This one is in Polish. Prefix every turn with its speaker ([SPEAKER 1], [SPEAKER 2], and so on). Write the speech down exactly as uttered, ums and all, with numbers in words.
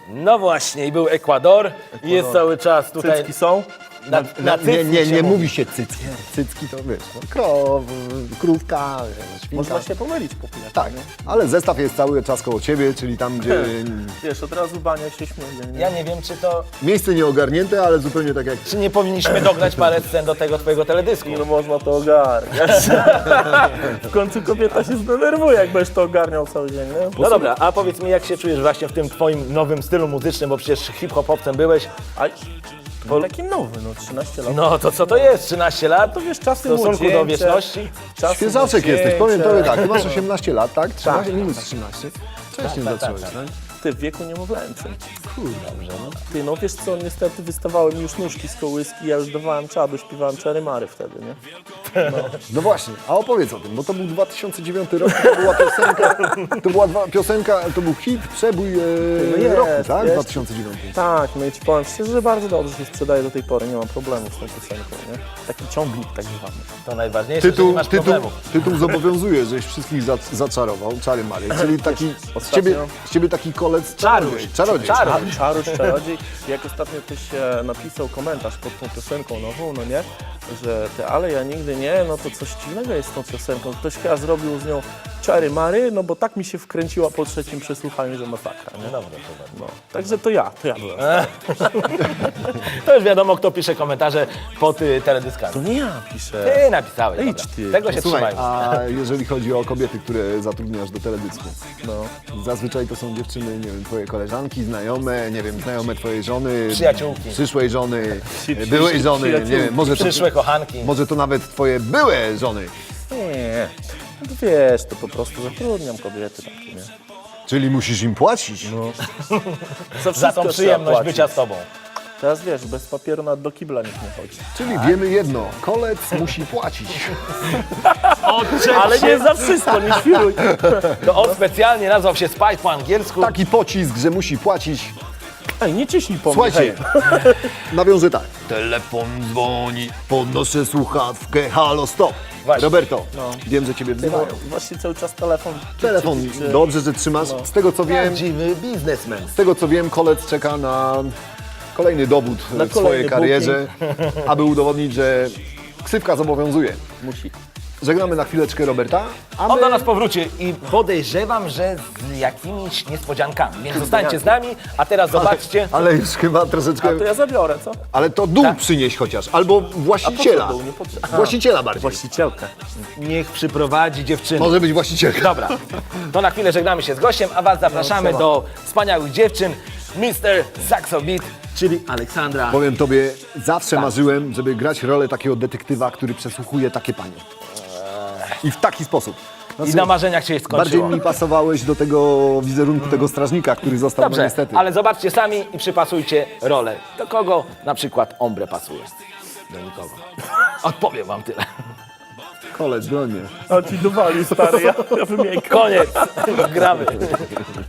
[SPEAKER 1] No właśnie, i był Ekwador, i jest cały czas tutaj...
[SPEAKER 2] Cycki są?
[SPEAKER 1] Na, na cycki
[SPEAKER 3] Nie, nie,
[SPEAKER 1] się
[SPEAKER 3] nie
[SPEAKER 1] mówi.
[SPEAKER 3] mówi się cycki. Cycki to wiesz, no, krow, krówka, świnka.
[SPEAKER 2] Można się pomylić po chwilę.
[SPEAKER 3] Tak, ale zestaw jest cały czas koło ciebie, czyli tam, gdzie
[SPEAKER 2] Wiesz, od razu bania się śmieje. Nie?
[SPEAKER 1] Ja nie wiem, czy to...
[SPEAKER 3] miejsce nieogarnięte, ale zupełnie tak jak...
[SPEAKER 1] Czy nie powinniśmy dograć parę scen do tego twojego teledysku?
[SPEAKER 2] No można to ogarniać. W końcu kobieta się zdenerwuje, jak będziesz to ogarniał cały dzień, nie?
[SPEAKER 1] No dobra, a powiedz mi, jak się czujesz właśnie w tym twoim nowym stylu muzycznym, bo przecież hip-hopowcem byłeś.
[SPEAKER 2] A to taki nowy, no trzynaście lat.
[SPEAKER 1] No to co to jest? trzynaście lat?
[SPEAKER 2] To wiesz, czasy
[SPEAKER 1] W stosunku do
[SPEAKER 2] młodzieńcze,
[SPEAKER 1] wieczności?
[SPEAKER 2] czasy
[SPEAKER 3] Świeżaczek
[SPEAKER 2] młodzieńcze.
[SPEAKER 3] jesteś, powiem tobie tak, ty masz osiemnaście lat, tak? trzynaście minus trzynaście. Wcześniej
[SPEAKER 1] tak,
[SPEAKER 3] zacząłeś,
[SPEAKER 1] tak,
[SPEAKER 3] tak?
[SPEAKER 2] Ty w wieku niemowlęcym.
[SPEAKER 3] Kurde, dobrze, no.
[SPEAKER 2] Ty, no wiesz co, niestety wystawały mi już nóżki z kołyski, ja już dawałem czadu, śpiewałem Czary Mary wtedy, nie?
[SPEAKER 3] No właśnie, a opowiedz o tym, bo to był dwa tysiące dziewiąty rok, to była piosenka, to była dwa, piosenka, to był hit, przebój e,
[SPEAKER 2] No jest,
[SPEAKER 3] roku, tak?
[SPEAKER 2] jest.
[SPEAKER 3] dwa tysiące dziewiąty.
[SPEAKER 2] Tak, no i ci powiem szczerze, że bardzo dobrze się sprzedaje do tej pory, nie mam problemu z tą piosenką, nie? Taki ciągnik tak zwany.
[SPEAKER 1] To najważniejsze, że nie
[SPEAKER 3] Tytuł,
[SPEAKER 1] masz
[SPEAKER 3] tytuł,
[SPEAKER 1] problemu.
[SPEAKER 3] tytuł zobowiązuje, żeś wszystkich za, zaczarował, Czary Mary, czyli taki, z
[SPEAKER 2] ostatnio-
[SPEAKER 3] ciebie, z ciebie taki kolec czarodziej. Czarodziej.
[SPEAKER 1] Czaruś.
[SPEAKER 2] Czaruś, czarodziej. Jak ostatnio ktoś e, napisał komentarz pod tą piosenką nową, no nie? Że ty, ale ja nigdy nie, no to coś dziwnego jest z tą piosenką. Ktoś chyba zrobił z nią Czary Mary, no bo tak mi się wkręciła po trzecim przesłuchaniu, że masakra, nie?
[SPEAKER 1] Dobra, to
[SPEAKER 2] No, także to ja, to ja byłem.
[SPEAKER 1] To już wiadomo, kto pisze komentarze pod y, teledyskami.
[SPEAKER 2] To nie ja piszę.
[SPEAKER 1] Ty napisałeś,
[SPEAKER 2] Idź
[SPEAKER 1] dobra.
[SPEAKER 2] ty.
[SPEAKER 1] Tego się
[SPEAKER 3] Słuchaj,
[SPEAKER 1] trzymajmy.
[SPEAKER 3] a jeżeli chodzi o kobiety, które zatrudniasz do teledysku,
[SPEAKER 2] No.
[SPEAKER 3] zazwyczaj to są dziewczyny, nie wiem, twoje koleżanki, znajome, nie wiem, znajome twojej żony,
[SPEAKER 1] Przyjaciółki.
[SPEAKER 3] przyszłej żony,
[SPEAKER 2] Przy- przy-
[SPEAKER 3] byłej żony, nie
[SPEAKER 2] przyjaciółki.
[SPEAKER 3] wiem, może to,
[SPEAKER 1] Przyszłe kochanki.
[SPEAKER 3] może to nawet twoje były żony.
[SPEAKER 2] Nie, no to wiesz, to po prostu zatrudniam kobiety takie, nie?
[SPEAKER 3] Czyli musisz im płacić.
[SPEAKER 2] No.
[SPEAKER 1] Za
[SPEAKER 2] Za, wszystko
[SPEAKER 1] tą
[SPEAKER 2] trzeba
[SPEAKER 1] przyjemność
[SPEAKER 2] płacić.
[SPEAKER 1] bycia z tobą.
[SPEAKER 2] Teraz wiesz, bez papieru nawet do kibla nikt nie chodzi.
[SPEAKER 3] Czyli wiemy jedno, kolec musi płacić.
[SPEAKER 2] Ale nie za wszystko, nie świruj.
[SPEAKER 1] To on specjalnie nazwał się Spike po angielsku.
[SPEAKER 3] Taki pocisk, że musi płacić.
[SPEAKER 2] Ej, nie ciśnij po mnie,
[SPEAKER 3] Słuchajcie,
[SPEAKER 2] hej.
[SPEAKER 3] nawiążę tak. Telefon dzwoni, podnoszę słuchawkę, halo, stop.
[SPEAKER 1] Właśnie.
[SPEAKER 3] Roberto,
[SPEAKER 2] No.
[SPEAKER 3] wiem, że ciebie
[SPEAKER 2] No,
[SPEAKER 3] wzywają.
[SPEAKER 2] właśnie cały czas telefon.
[SPEAKER 3] Telefon,
[SPEAKER 2] Czy- czy-
[SPEAKER 3] dobrze, że trzymasz. Z tego co wiem,
[SPEAKER 1] Prawdziwy biznesmen.
[SPEAKER 3] z tego co wiem, kolec czeka na kolejny dowód
[SPEAKER 2] Na
[SPEAKER 3] w swojej
[SPEAKER 2] kolejny
[SPEAKER 3] karierze, aby udowodnić, że ksywka zobowiązuje.
[SPEAKER 2] Musi.
[SPEAKER 3] Żegnamy na chwileczkę Roberta, a
[SPEAKER 1] On
[SPEAKER 3] my...
[SPEAKER 1] do nas powróci i podejrzewam, że z jakimiś niespodziankami. Więc zostańcie z nami, a teraz zobaczcie.
[SPEAKER 3] Ale już chyba troszeczkę...
[SPEAKER 2] A to ja zabiorę, co?
[SPEAKER 3] Ale to dół
[SPEAKER 1] Tak?
[SPEAKER 3] przynieś chociaż, albo właściciela.
[SPEAKER 2] A po co dół? Nie potrze- Aha.
[SPEAKER 3] Właściciela bardziej.
[SPEAKER 2] Właścicielkę.
[SPEAKER 1] Niech przyprowadzi dziewczynę.
[SPEAKER 3] Może być właścicielka.
[SPEAKER 1] Dobra, to na chwilę żegnamy się z gościem, a was zapraszamy
[SPEAKER 2] No,
[SPEAKER 1] do wspaniałych dziewczyn, mister Saxo Beat, czyli Aleksandra.
[SPEAKER 3] Powiem tobie, zawsze
[SPEAKER 1] Tak.
[SPEAKER 3] marzyłem, żeby grać rolę takiego detektywa, który przesłuchuje takie panie. I w taki sposób.
[SPEAKER 1] I na marzeniach się
[SPEAKER 3] Bardziej
[SPEAKER 1] skończyło.
[SPEAKER 3] mi pasowałeś do tego wizerunku tego strażnika, który został, no
[SPEAKER 1] Dobrze,
[SPEAKER 3] niestety.
[SPEAKER 1] ale zobaczcie sami i przypasujcie rolę. Do kogo na przykład ombre pasuje? Do nikogo. Odpowiem wam tyle.
[SPEAKER 3] Kolec, broń mnie.
[SPEAKER 2] A ci dowalił, stary, ja, ja wymiękam.
[SPEAKER 1] Koniec. Gramy.